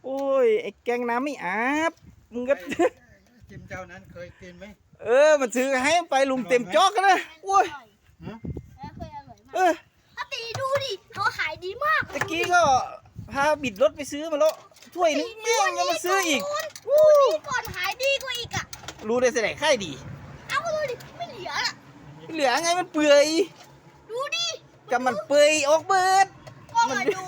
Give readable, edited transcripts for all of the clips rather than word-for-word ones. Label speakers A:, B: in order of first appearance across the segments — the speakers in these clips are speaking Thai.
A: โอ้ยไอ้แกงน้ำไม่อาบมึงก็
B: จิ้มเจ้านั้นเคยกินไหม
A: มันซื้อให้ไปลุงเต็มจอกนะโอ้ย
B: ฮะ
C: แล้วเคยอร่อยมาก
A: เออ
C: อาตีดูดิเขาขายดีมาก
A: ตะกี้ก็พาบิดรถไปซื้อมาแล้วถ้วยนึงแม่งยังมาซื้ออีก
C: ดูนี่ก่อนขายดีกว่าอีกอ่ะ
A: รู้ได้แสดงค่ายดี
C: เอาดูดิไม่เหลือละ
A: เหลือไงมันเปื่อย
C: ดูดิ
A: กับมันเปื่อยออกเบิด
C: ก็มาดู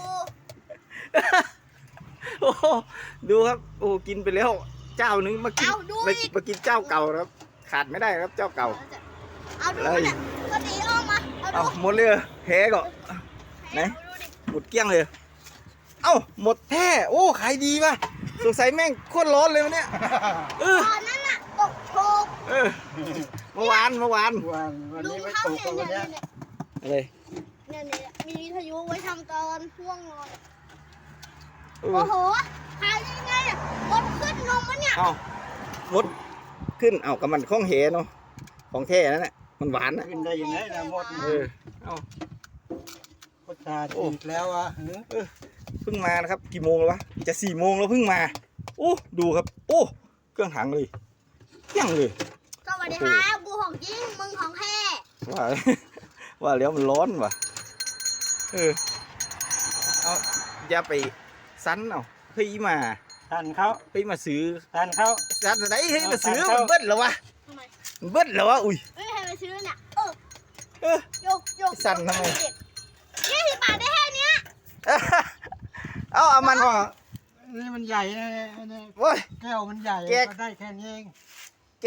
A: โอ้โหดูครับโอ้กินไปแล้วเจ้านึงมากิน
C: เอาดูอีก
A: มากินเจ้าเก่าครับขาดไม่ได้ครับเจ้าเก่า
C: เอาดูเนี่ยก็ตีออกมาเอา
A: เอา
C: ดู
A: หมดเลยเหรอแพ้ก็ไหน
C: ดูดิ
A: หมดเกลี้ยงเลย เอ้าหมดแท้โอ้ขายดีป่ะสงสัยแม่งโคตรร้อนเลยวันเนี้ยเออ
C: ตอนนั้นน่ะตกโชก
A: เออเมื่อวาน
B: วัน
C: ลุ
B: นี้
C: ง
B: ไม่
C: เขา
B: ตก
C: เนี่ย
B: กับวัน
C: เนี่ย
B: เนี้ย
A: อะไร
C: เนี่ยมีวิทยุไว้ทำตอนห่วงนอน
A: เออ
C: โอ้โหขายได้ไงอ่ะรถขึ้นลงมันเนี่ย
A: เอ้าหมดขึ้นเอ้ากับมันข้องเหเนาะของแท้นั่นแหละมันหวานนะ
B: ขึ้นได้ยังไงนะหมด
A: เออเอ้า
B: ก็ชาฉีกแล้วอ่ะ
A: เพิ่งมานะครับกี่โมงแล้ววะจะ4 โมงแล้วเพิ่งมาโอ้ดูครับโอ้เครื่องหังเลยเที่ยงเลย
C: สวัสดีครับกูของจริงมึงของแท้
A: ว่า ว่าแล้วมันร้อนว่ะเออเอาอย่าไปซันเอาเฮ้ยมา
B: ทันเขา
A: เฮ้ยมาซื้อ
B: ทันเขา
A: ซันไหนเฮ้ยมาซื้อ
B: เอา
A: มันเบิ้ลเหรอวะ
C: ทำไม
A: มันเบิ้ลเหรอวะอุ้ย
C: ไม่มีใครมาซื้อเนี่ย
A: เออ
C: โยก
A: สั่นทำไม
C: 20 บาทได้แค่เนี้ย
A: เอามัน
B: ก็นี่มันใหญ่นะเนี่ย
A: โอ้ย
B: แก้วมันใหญ่
A: แกะ
B: ก็ได้แค่นี้เอง
A: แก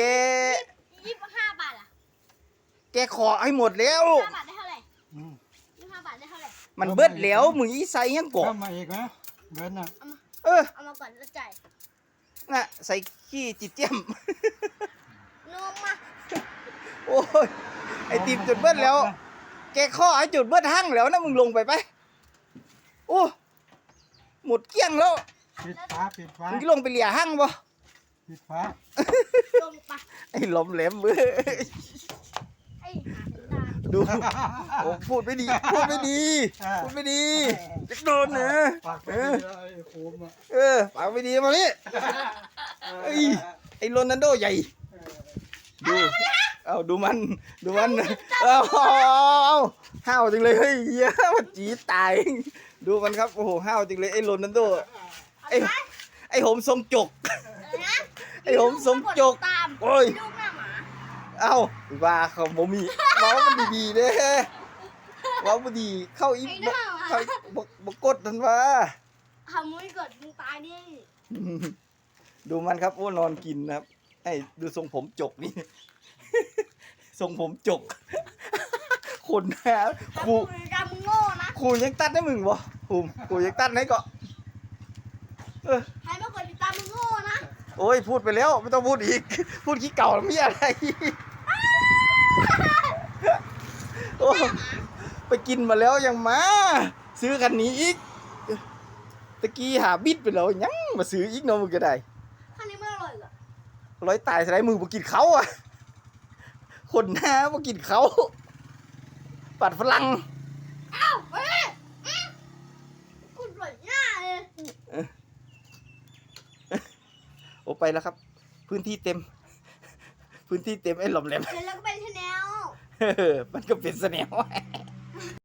C: 25 บาทอ่ะ
A: แกขอให้หมดแล้ว
C: 25 บาทได้เท่าไหร่
B: อืม
C: 25 บาทได้เท่าไหร่
A: มันเบิ้ลแล้วมึงอีใส่ยังกบ
B: เข้ามาอีกนะเบิร์นอ่ะ
A: เออ
C: เอามาก่อนแล้วจ่าย
A: น่ะใส่ขี้จิตเจี้ยม
C: นมมา
A: โอ้ยไอติมจุดเบิ้ลแล้ว แกข้อไอจุดเบิ้ลหั่งแล้วนะมึงลงไปไปโอ้หมดเกลี้ยงแล้ว
B: ปิดฟ้าปิดฟ้า
A: มึงลงไปเหลี่ยหั่งบ่
B: ปิดฟ้า
C: ลงไป
A: ไอ้หลอมแหลมเว้ย
C: ไอ้หาตา
A: ดูโอ้พูดไม่ดีพูดไม่ดีพูดไม่ดีจะโดนนะ
B: ปากไป
A: เออ
B: เลยไอ้โคมอ่ะ
A: ปากไม่ดีมานี่ไอ้โรนัลโดใหญ่ดูเอาดูมันเอาห้าวจริงเลยเฮ้ยเหี้ยมันจีดตายดูมันครับโอ้โหห้าวจริงเลยไอ้โรนัลโดไอ้โหมทรงจก
C: นะ
A: ไอ้ผมสมจก
C: ตาม
A: โอ้ย
C: ลูกหน้าหมา
A: เอ้าว่าเขาบ่มีเว้ามันดีๆเด้เว้าบ่ดีเข้าอีเข้าบ่กดนั่นว่า
C: ทำไม่เกิดมึงตายดิ
A: ดูมันครับโอ้นอนกินนะครับไอ้ดูทรงผมจกนี่ ทรงผมจก คนนะครู
C: มึงกำมึงโง่นะ
A: ครูยังตัดให้มึงบ่ครูยังตัดให้ก็เออ
C: ใครไม่กดติดตามมึงโง่นะ
A: โอ้ยพูดไปแล้วไม่ต้องพูดอีก พูดขี้เก่าแล้วมีอะไร โอ้ไปกินมาแล้วยังมา ซื้อคันนี้อีกตะกี้หาบิดไปแล้วยังมาซื้ออีกเนาะมึงก็ได้
C: คันนี้ไม่อร่อยเหรอ
A: ร้อยตายสไลด์มือบ่กินเขาอ่ะคนหน้าบ่กินเขาปัดฝรั่ง
C: อ้าวเฮ้ยคุณปล่อยหน้าเลย
A: โอ้ไปแล้วครับ พื้นที่เต็ม พื้นที่เต็มไอ้หลอมแหลม
C: เสร็จแล้วก็ไปที่แนว
A: มันก็เป็นเสน่ห์